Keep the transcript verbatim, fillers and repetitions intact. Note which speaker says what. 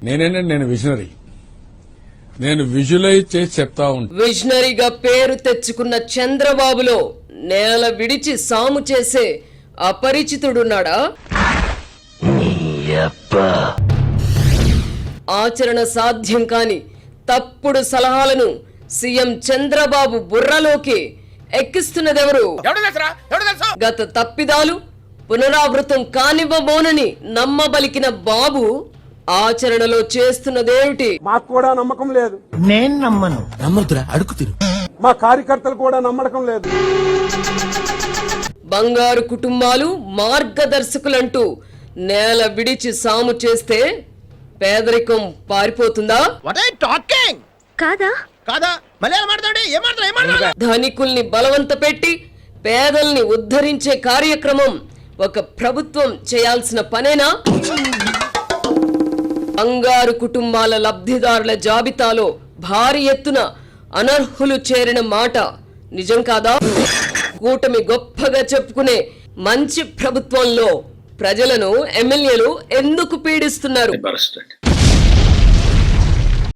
Speaker 1: నేనేంటే నేను విజనరీ, నేను విజువలైజ్ చేసి చెప్తా ఉంటాను.
Speaker 2: విజనరీగా పేరు తెచ్చుకున్న చంద్రబాబులో నేల విడిచి సాము చేసే అపరిచితుడున్నాడా? ఆచరణ సాధ్యం కాని తప్పుడు సలహాలను సీఎం చంద్రబాబు బుర్రలోకి ఎక్కిస్తున్నదెవరు? గత తప్పిదాలు పునరావృతం కానివ్వబోనని నమ్మబలికిన బాబు ఆచరణలో చేస్తున్నదేమిటి?
Speaker 3: మాకు కూడా నమ్మకం లేదు.
Speaker 4: నేను నమ్మను.
Speaker 5: నమ్మదురా, అడుగుతిరు.
Speaker 3: మా కార్యకర్తలు కూడా నమ్మకం లేదు.
Speaker 2: బంగారు కుటుంబాలు మార్గదర్శకులంటూ నేల విడిచి సాము చేస్తే పేదరికం పారిపోతుందా?
Speaker 4: కాదా
Speaker 5: కాదా
Speaker 2: ధనికుల్ని బలవంత పెట్టి పేదల్ని ఉద్ధరించే కార్యక్రమం ఒక ప్రభుత్వం చేయాల్సిన పనేనా? బంగారు కుటుంబాల లబ్ధిదారుల జాబితాలో భారీ ఎత్తున అనర్హులు చేరిన మాట నిజం కాదా? కూటమి గొప్పగా చెప్పుకునే మంచి ప్రభుత్వంలో ప్రజలను ఎమ్మెల్యేలు ఎందుకు పీడిస్తున్నారు?